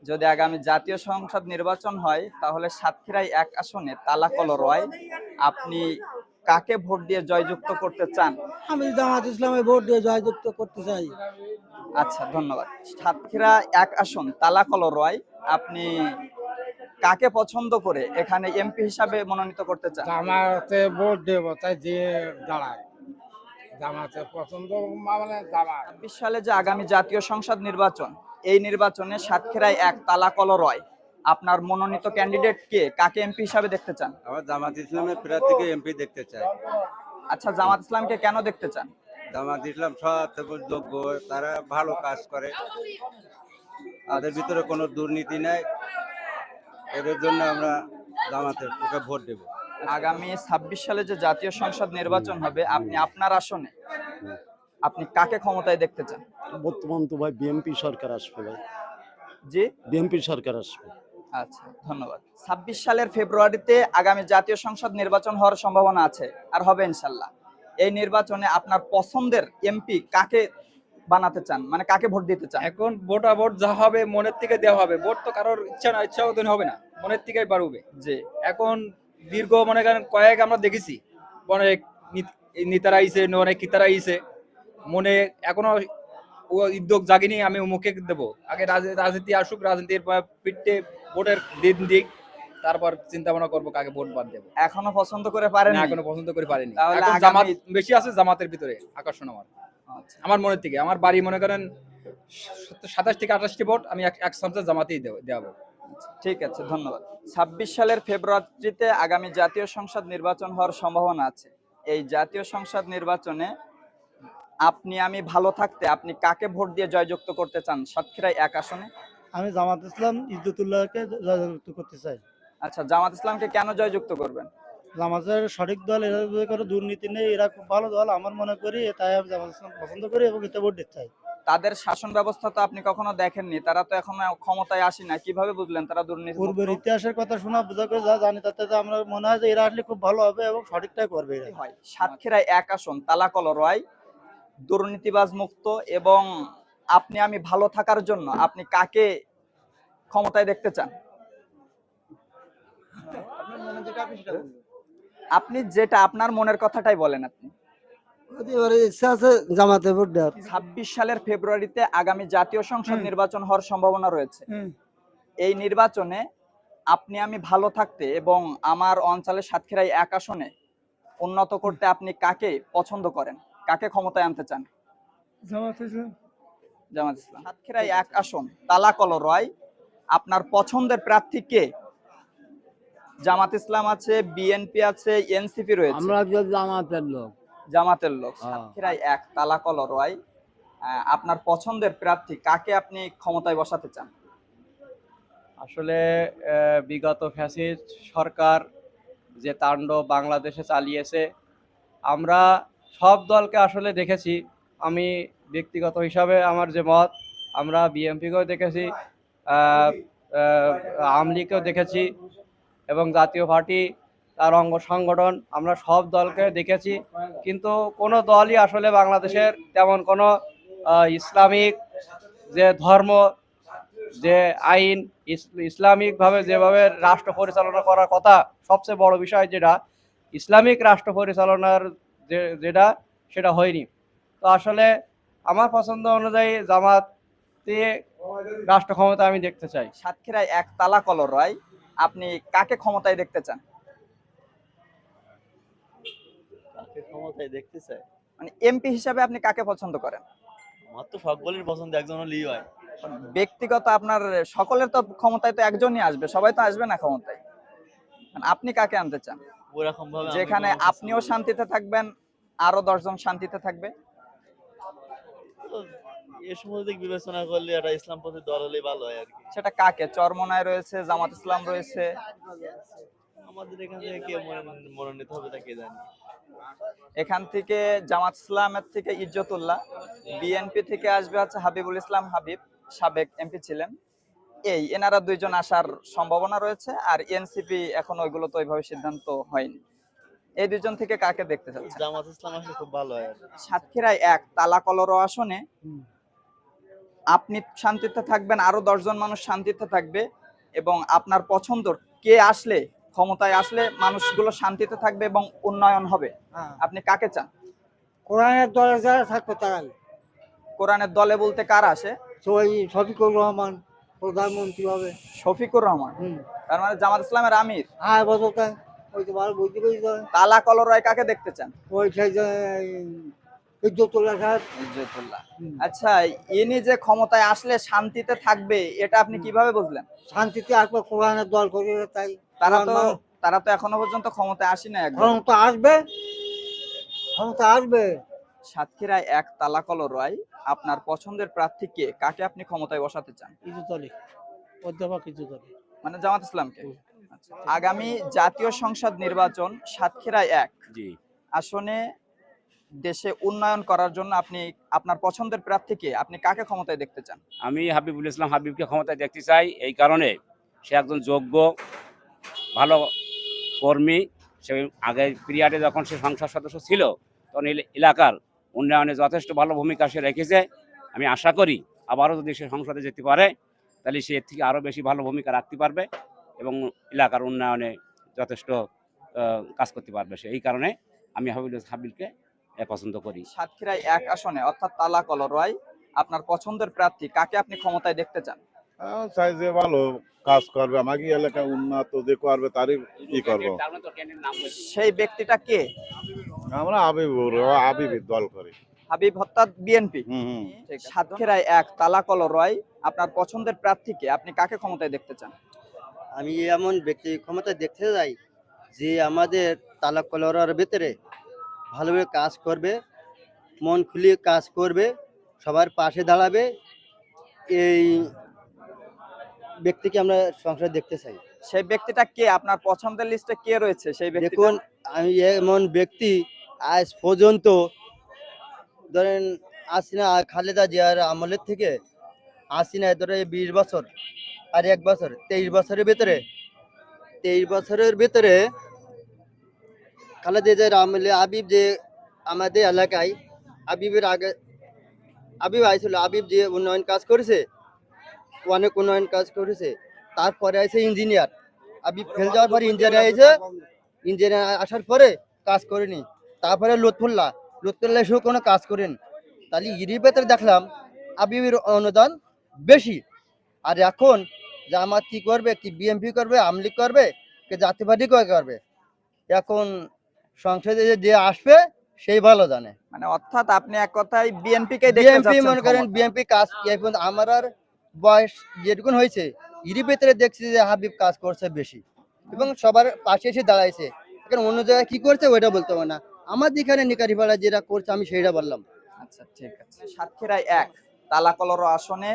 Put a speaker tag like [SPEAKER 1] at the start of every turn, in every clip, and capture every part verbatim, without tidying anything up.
[SPEAKER 1] যদি আগামী জাতীয় সংসদ নির্বাচন হয় তাহলে সাতক্ষীরায় এক আসনে তালাকল রয় আপনি কাকে ভোট দিয়ে জয়যুক্ত করতে চান?
[SPEAKER 2] আমি জামাত ইসলামে ভোট দিয়ে জয়যুক্ত করতে চাই।
[SPEAKER 1] আচ্ছা, ধন্যবাদ। সাতক্ষীরা এক আসন তালাকল রয় আপনি কাকে পছন্দ করে এখানে এমপি হিসাবে মনোনীত করতে চান?
[SPEAKER 3] জামাতে ভোট দেব, তাই দিয়ে দাঁড়ায় জামাতে পছন্দ, মানে জামাত।
[SPEAKER 1] ছাব্বিশ সালে যে আগামী জাতীয় সংসদ নির্বাচন, এই নির্বাচনে সাতক্ষীরায় এক তালাকল রয় আপনার মনোনীত ক্যান্ডিডেট কে, কাকে এমপি হিসাবে দেখতে চান?
[SPEAKER 4] আমার জামাত ইসলামের প্রার্থীকে এমপি দেখতে চাই।
[SPEAKER 1] আচ্ছা, জামাত ইসলামকে কেন দেখতে চান?
[SPEAKER 4] জামাত ইসলাম সৎ এবং যোগ্য, তারা ভালো কাজ করে, তাদের ভিতরে কোনো দুর্নীতি নাই, এদের জন্য আমরা জামাতের ওকে ভোট দেব।
[SPEAKER 1] আগামী ছাব্বিশ সালে যে জাতীয় সংসদ নির্বাচন হবে, আপনি আপনার আসনে আপনি কাকে ক্ষমতায় দেখতে চান?
[SPEAKER 5] বর্তমান তো ভাই বিএনপি সরকার আসবে ভাই,
[SPEAKER 1] জি,
[SPEAKER 5] বিএনপি সরকার আসবে।
[SPEAKER 1] আচ্ছা, ধন্যবাদ। ছাব্বিশ সালের ফেব্রুয়ারিতে আগামী জাতীয় সংসদ নির্বাচন হওয়ার সম্ভাবনা আছে, আর হবে ইনশাল্লাহ। এই নির্বাচনে আপনার পছন্দের এমপি কাকে বানাতে চান, মানে কাকে ভোট দিতে চান?
[SPEAKER 6] এখন ভোটা ভোট যা হবে মনের থেকে দেওয়া হবে, ভোট তো কারোর ইচ্ছা না, ইচ্ছা মতন হবে না, মনের থেকেই বাড়বে।
[SPEAKER 1] জি,
[SPEAKER 6] এখন দীর্ঘ মনে করেন কয়েক আমরা দেখেছি, অনেক নেতারা আইছে, অনেক কিতারা আইছে, মনে এখনো ও উদ্যোগ জাগিনি আমি মুখে দেবো, আগে রাজনীতি আসুক, রাজনীতির পিঠে ভোটের দিন দিক, তারপর চিন্তা ভাবনা করবো কাকে ভোট বাদ দেবো।
[SPEAKER 1] এখনো পছন্দ করে পারেন?
[SPEAKER 6] এখনো পছন্দ করে পারিনি।
[SPEAKER 1] তাহলে
[SPEAKER 6] এখন
[SPEAKER 1] আগামী-
[SPEAKER 6] জামাত বেশি আছে, জামাতের ভিতরে আকর্ষণ আমার,
[SPEAKER 1] আচ্ছা,
[SPEAKER 6] আমার মনের থেকে। আমার বাড়ি মনে করেন সাতাশ থেকে আঠাশটি ভোট আমি এক চান্সে জামাতেই দেওয়াবো।
[SPEAKER 1] ঠিক আছে, ধন্যবাদ। ছাব্বিশ সালের ফেব্রুয়ারিতে আগামী জাতীয় সংসদ নির্বাচন হওয়ার সম্ভাবনা আছে। এই জাতীয় সংসদ নির্বাচনে আপনি আমি ভালো থাকতে আপনি কাকে ভোট দিয়ে জয়যুক্ত করতে চান সাতক্ষীরায় এক আসনে?
[SPEAKER 2] আমি জামাত ইসলাম ইজ্জতুল্লাহকে জয়যুক্ত করতে চাই।
[SPEAKER 1] আচ্ছা, জামাত ইসলামকে কেন জয়যুক্ত করবেন?
[SPEAKER 2] জামাতের সঠিক দল, এরা যদি কোনো দুর্নীতি নেই, এরা খুব ভালো দল আমার মনে করি, তাই আমি জামাত ইসলাম পছন্দ করি এবং এতে ভোট দিতে চাই।
[SPEAKER 1] তাদের শাসন ব্যবস্থা তো আপনি কখনো দেখেননি, তারা তো এখনো ক্ষমতায় আসে না, কিভাবে বুঝলেন তারা দুর্নীতি?
[SPEAKER 2] পূর্বের ইতিহাসের কথা শোনা বোঝা করে যা জানি, তাতে তো আমরা মনে হয় যে এরা আসলে খুব ভালো হবে এবং সঠিকটাই করবে এরা।
[SPEAKER 1] হয় সাতক্ষীরায় এক আসন তালাকল রয় দুর্নীতিবাজ মুক্ত, এবং আপনি আমি ভালো থাকার জন্য আপনি কাকে ক্ষমতায় দেখতে চান? আপনি যেটা আপনার মনের কথাটাই বলেন। আপনি
[SPEAKER 2] ইচ্ছা আছে জামাতে ভোট দেওয়ার।
[SPEAKER 1] ছাব্বিশ সালের ফেব্রুয়ারিতে আগামী জাতীয় সংসদ নির্বাচন হওয়ার সম্ভাবনা রয়েছে। এই নির্বাচনে আপনি আমি ভালো থাকতে এবং আমার অঞ্চলের সাতক্ষীরায় এক আসনে উন্নত করতে আপনি কাকে পছন্দ করেন, কাকে ক্ষমতায় আনতে চান?
[SPEAKER 2] জামাত ইসলাম।
[SPEAKER 1] জামাত ইসলাম। সাতক্ষীরায় এক আসন তালাকল রয় আপনার পছন্দের প্রার্থী কে? জামাত ইসলাম আছে, বিএনপি আছে, এনসিপি রয়েছে।
[SPEAKER 7] আমরা জামাতের লোক।
[SPEAKER 1] জামাতের লোক। সাতক্ষীরায় এক তালাকল রয় আপনার পছন্দের প্রার্থী কাকে আপনি ক্ষমতায় বসাতে চান?
[SPEAKER 8] আসলে বিগত ফ্যাসিস্ট সরকার যে তাণ্ডব বাংলাদেশে চালিয়েছে, আমরা সব দলকে আসলে দেখেছি। আমি ব্যক্তিগত হিসাবে আমার যে মত, আমরা বিএনপিকেও দেখেছি, আওয়ামী লীগকেও দেখেছি, এবং জাতীয় পার্টি তার অঙ্গ সংগঠন, আমরা সব দলকে দেখেছি। কিন্তু কোনো দলই আসলে বাংলাদেশের তেমন কোনো ইসলামিক যে ধর্ম, যে আইন, ইসলামিকভাবে যেভাবে রাষ্ট্র পরিচালনা করার কথা, সবচেয়ে বড় বিষয় যেটা ইসলামিক রাষ্ট্র পরিচালনার যে যেটা সেটা হয়নি। তো আসলে আমার পছন্দ অনুযায়ী জামাতে রাষ্ট্র ক্ষমতা আমি দেখতে চাই।
[SPEAKER 1] সাতক্ষীরায় এক তালাকল রয় আপনি কাকে ক্ষমতায় দেখতে চান?
[SPEAKER 9] কাকে ক্ষমতায় দেখতে চাই
[SPEAKER 1] মানে এমপি হিসাবে আপনি কাকে পছন্দ করেন?
[SPEAKER 9] আমার তো সকলের পছন্দ, একজন হলেই হয়।
[SPEAKER 1] ব্যক্তিগত আপনার সকলের তো ক্ষমতায় তো একজনই আসবে, সবাই তো আসবে না ক্ষমতায়। আপনি কাকে আনতে চান
[SPEAKER 9] ওরকম ভাবে
[SPEAKER 1] যেখানে আপনিও শান্তিতে থাকবেন, আরো দশজন শান্তিতে থাকবে?
[SPEAKER 9] এই সময় দিক বিবেচনা করলে একটা ইসলামপন্থী দল হলেই ভালো হয় আর কি।
[SPEAKER 1] সেটা কাকে? চরমনায় রয়েছে, জামাত ইসলাম রয়েছে,
[SPEAKER 9] আমাদের এখান থেকে কে মনোনীত হবে তা কে জানি।
[SPEAKER 1] এখান থেকে জামাত ইসলামের থেকে ইজ্জতুল্লাহ, বিএনপি থেকে আসবে হচ্ছে হাবিবুল ইসলাম হাবিব, সাবেক এমপি ছিলেন। এই এনারা দুইজন আসার সম্ভাবনা রয়েছে, আর এনসিপি এখন ওইগুলো তো ওইভাবে সিদ্ধান্ত হয়নি। এই দুইজন থেকে কাকে দেখতে চাচ্ছেন?
[SPEAKER 9] জামাত ইসলাম আসলে খুব ভালো হয়।
[SPEAKER 1] সাতক্ষীরায় এক তালাকল রয় আসনে আপনি শান্তিতে থাকবেন, আরো দশজন মানুষ শান্তিতে থাকবে, এবং আপনার পছন্দর কে আসলে, ক্ষমতায় আসলে মানুষগুলো শান্তিতে থাকবে এবং উন্নয়ন হবে, আপনি কাকে চান?
[SPEAKER 2] কোরআনের দলে যারা থাকবে তারাই।
[SPEAKER 1] কোরআনের দলে বলতে কারা আসে?
[SPEAKER 2] ওই শফিকুর রহমান প্রধানমন্ত্রী হবে।
[SPEAKER 1] শফিকুর রহমান,
[SPEAKER 2] হুম।
[SPEAKER 1] তার মানে জামাত ইসলামের আমির।
[SPEAKER 2] হ্যাঁ বলতে ওই তো ভালো বুঝতে পেরেছি।
[SPEAKER 1] তালা কলরয় কাকে দেখতে চান?
[SPEAKER 2] ওই সেই যে ইজ্জতুল্লাহ সাহেব।
[SPEAKER 1] ইজ্জতুল্লাহ।
[SPEAKER 2] হুম।
[SPEAKER 1] আচ্ছা, ইনি যে ক্ষমতায় আসলে শান্তিতে থাকবে, এটা আপনি কিভাবে বুঝলেন?
[SPEAKER 2] শান্তিতে আসবে, কোরআনের দল করে তাই।
[SPEAKER 1] তারা তো
[SPEAKER 2] কোরআন
[SPEAKER 1] তারা তো এখনো পর্যন্ত ক্ষমতায় আসে না একবার।
[SPEAKER 2] ক্ষমতা আসবে, ক্ষমতা আসবে।
[SPEAKER 1] সাতক্ষীরায় এক তালা কলরয় আপনার পছন্দের প্রার্থী কে, কাকে আপনি ক্ষমতায় বসাতে চান?
[SPEAKER 2] ইজ্জতলি, অধ্যাপক ইজ্জতলি।
[SPEAKER 1] মানে জামাত ইসলামকে। আচ্ছা, আগামী জাতীয় সংসদ নির্বাচন সাতক্ষীরায় এক
[SPEAKER 7] জি,
[SPEAKER 1] আসনে দেশে উন্নয়ন করার জন্য আপনি আপনার পছন্দের প্রার্থীকে, আপনি কাকে ক্ষমতায় দেখতে চান?
[SPEAKER 7] আমি হাবিবুল ইসলাম হাবিবকে ক্ষমতায় দেখতে চাই। এই কারণে সে একজন যোগ্য ভালো কর্মী। সে আগের পিরিয়ডে যখন সে সংসদ সদস্য ছিল তখন এই এলাকার উন্নয়নে যথেষ্ট ভালো ভূমিকা সে রেখেছে। আমি আশা করি আবারও যদি সে সংসদে যেতে পারে তাহলে সে এর থেকে আরও বেশি ভালো ভূমিকা রাখতে পারবে এবং এলাকার উন্নয়নে যথেষ্ট আহ, কাজ করতে পারবে সে। এই কারণে আমি হাবিবুল হাবিবকে আহ, পছন্দ করি।
[SPEAKER 1] সাতক্ষীরায় এক আসনে অর্থাৎ তালা কলরয় আপনার পছন্দের প্রার্থী কাকে আপনি ক্ষমতায় দেখতে চান?
[SPEAKER 10] আহ, চাই যে ভালো কাজ করবে, আমাকে এলাকা উন্নত যে করবে তারই ই করবো।
[SPEAKER 1] সেই ব্যক্তিটা কে?
[SPEAKER 10] আমরা আবিবুর আবিবের দল করি।
[SPEAKER 1] হাবিব অর্থাৎ বিএনপি।
[SPEAKER 10] হুম হুম।
[SPEAKER 1] সাতক্ষীরায় এক তালা কলরয় আপনার পছন্দের প্রার্থীকে, আপনি কাকে ক্ষমতায় দেখতে চান?
[SPEAKER 11] আমি এমন ব্যক্তি ক্ষমতা দেখতে যাই যে আমাদের তালাক কলরার ভিতরে ভালোভাবে কাজ করবে, মন খুলিয়ে কাজ করবে, সবার পাশে দাঁড়াবে, এই ব্যক্তিকে আমরা সংসারে দেখতে চাই।
[SPEAKER 1] সেই ব্যক্তিটা কে? আপনার পছন্দের লিস্টে কে রয়েছে সেই ব্যক্তি?
[SPEAKER 11] দেখুন, আমি এমন ব্যক্তি আজ পর্যন্ত ধরেন আসিনা খালেদা জিয়ার আমলের থেকে আসিনা ধরে বিশ বছর আর এক বছর তেইশ বছরের ভিতরে তেইশ বছরের ভিতরে খালেদা জিয়ার আমলে আবিব যে আমাদের এলাকায় আবিবের আগে আবিব আইছিল, আবিব যে উন্নয়ন কাজ করেছে, অনেক উন্নয়ন কাজ করেছে। তারপরে আছে ইঞ্জিনিয়ার, আবিব ফেল যাওয়ার পরে ইঞ্জিনিয়ার এসে ইঞ্জিনিয়ার আসার পরে কাজ করেনি। তারপরে লুৎফুল্লাহ লুৎফুল্লাহ এসেও কোনো কাজ করেন। তাহলে ইরির ভেতরে দেখলাম আবিবের অনুদান বেশি। আর এখন জামাত কি করবে, কি বিএনপি করবে, আওয়ামী লীগ করবে, কি জাতীয় পার্টি করবে, এখন সংসদে যে আসবে সেই ভালো জানে।
[SPEAKER 1] মানে অর্থাৎ আপনি এক কথায় বিএনপি কে দেখতে
[SPEAKER 11] বিএনপি
[SPEAKER 1] যাচ্ছেন
[SPEAKER 11] মনে করেন,
[SPEAKER 1] ক্ষমতায়।
[SPEAKER 11] বিএনপি কাজ এখন আমার আর বয়স যেটুকুন হয়েছে ইরি ভেতরে দেখছি যে হাবিব কাজ করছে বেশি এবং সবার পাশে এসে দাঁড়াইছে। এখন অন্য জায়গায় কি করছে ওইটা বলতে হবে না, আমার যেখানে নিকারিপাড়া যেটা করছে আমি সেইটা বললাম।
[SPEAKER 1] আচ্ছা ঠিক আছে। সাতক্ষীরায় এক তালা কলর আসনে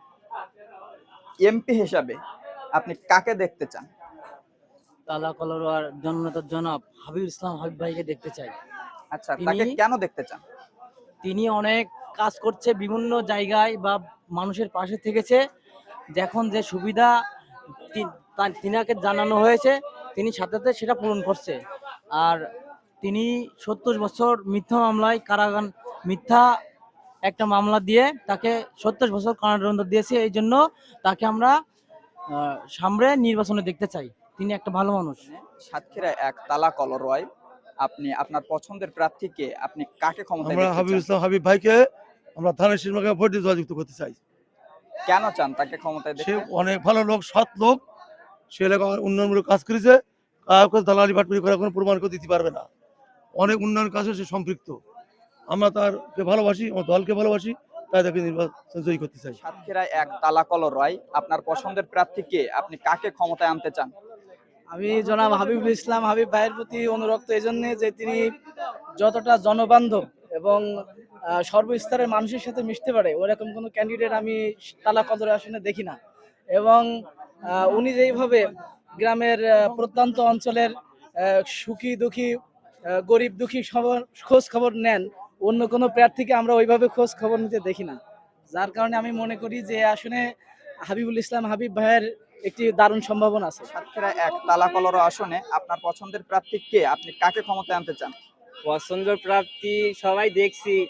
[SPEAKER 1] এমপি হিসাবে আপনি কাকে দেখতে চান?
[SPEAKER 12] তালা কলরার জননেতার জনাব হাবিব ইসলাম হাবিব ভাইকে দেখতে চাই।
[SPEAKER 1] আচ্ছা,
[SPEAKER 12] তিনি-
[SPEAKER 1] তাকে কেন দেখতে চান?
[SPEAKER 12] তিনি অনেক কাজ করছে বিভিন্ন জায়গায় বা মানুষের পাশে থেকেছে। যখন যে সুবিধা তি- তা- তিনাকে জানানো হয়েছে তিনি সাথে সাথে সেটা পূরণ করছে। আর তিনি সত্তর বছর মিথ্যা মামলায় কারাগার মিথ্যা একটা মামলা দিয়ে তাকে সত্তর বছর কারাদণ্ড দিয়েছে। এই জন্য তাকে আমরা আহ, সামনে নির্বাচনে দেখতে চাই। তিনি একটা ভালো মানুষ।
[SPEAKER 1] সাতক্ষীরায় এক তালা কলরয় আপনি আপনার পছন্দের প্রার্থীকে, আপনি কাকে ক্ষমতায়
[SPEAKER 2] আমরা
[SPEAKER 1] দেখতে
[SPEAKER 2] হাবিব
[SPEAKER 1] চান?
[SPEAKER 2] ইসলাম হাবিব ভাইকে আমরা ধানের শীর্ষকে ভোট দিয়ে জয়যুক্ত করতে চাই।
[SPEAKER 1] কেন চান তাকে ক্ষমতায়
[SPEAKER 2] সে
[SPEAKER 1] দেখতে?
[SPEAKER 2] অনেক ভালো লোক, সৎ লোক, সে এলাকায় উন্নয়নমূলক কাজ করেছে, কাউকে দালালি বাটপারি করার কোনো প্রমাণ করে দিতে পারবে না। অনেক উন্নয়ন কাজে সে সম্পৃক্ত। আমরা তারকে ভালোবাসি, আমার দলকে ভালোবাসি, তাই তাকে নির্বাচন জয়ী করতে চাই।
[SPEAKER 1] সাতক্ষীরায় এক তালা কলরয় আপনার পছন্দের প্রার্থীকে, আপনি কাকে ক্ষমতায় আনতে চান?
[SPEAKER 8] আমি জনাব হাবিবুল ইসলাম হাবিব ভাইয়ের প্রতি অনুরক্ত এই জন্যে যে তিনি যতটা জনবান্ধব এবং আহ, সর্বস্তরের মানুষের সাথে মিশতে পারে ওরকম কোনো ক্যান্ডিডেট আমি তালা কদর আসনে দেখি না। এবং আহ, উনি যেইভাবে গ্রামের আহ, প্রত্যন্ত অঞ্চলের আহ, সুখী দুঃখী আহ, গরিব দুঃখী সবার খোঁজ খবর নেন, অন্য কোনো প্রার্থীকে আমরা ওইভাবে খোঁজ খবর নিতে দেখি না। যার কারণে আমি মনে করি যে আসলে হাবিবুল ইসলাম হাবিব ভাইয়ের একটি দারুণ সম্ভাবনা আছে।
[SPEAKER 1] সাতক্ষীরায় এক তালা কলর আসনে আপনার পছন্দের প্রার্থী কে, আপনি কাকে ক্ষমতায় আনতে চান?
[SPEAKER 13] পছন্দের প্রার্থী সবাই দেখছি,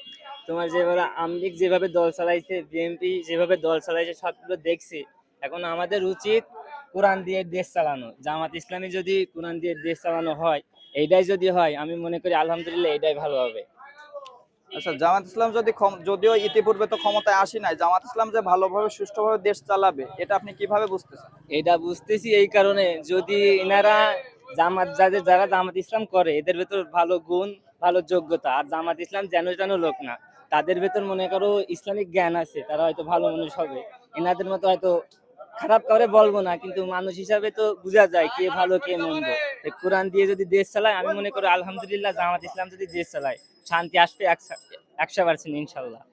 [SPEAKER 13] তোমার যেভাবে আওয়ামী লীগ যেভাবে দল চালাইছে, বিএনপি যেভাবে দল চালাইছে, সবগুলো দেখছি। এখন আমাদের উচিত কোরআন দিয়ে দেশ চালানো। জামাত ইসলামী যদি কোরআন দিয়ে দেশ চালানো হয়, এইটাই যদি হয়, আমি মনে করি আলহামদুলিল্লাহ এইটাই ভালো হবে।
[SPEAKER 1] আচ্ছা, জামাত ইসলাম যদি ক্ষম- যদিও ইতিপূর্বে তো ক্ষমতায় আসি নাই, জামাত ইসলাম যে ভালোভাবে সুষ্ঠুভাবে দেশ চালাবে এটা আপনি কিভাবে বুঝতেছেন?
[SPEAKER 13] এটা বুঝতেছি এই কারণে, যদি এনারা জামাত যাদের যারা জামাত ইসলাম করে এদের ভেতর ভালো গুণ, ভালো যোগ্যতা, আর জামাত ইসলাম যেন যেন লোক না, তাদের ভেতর মনে করো ইসলামিক জ্ঞান আছে, তারা হয়তো ভালো মানুষ হবে। এনাদের মতো হয়তো খারাপ করে বলবো না, কিন্তু মানুষ হিসাবে তো বোঝা যায় কে ভালো কে মন্দ। তো কোরআন দিয়ে যদি দেশ চালায়, আমি মনে করি আলহামদুলিল্লাহ জামাত ইসলাম যদি দেশ চালায় শান্তি আসবে একশো একশো পার্সেন্ট ইনশাল্লাহ।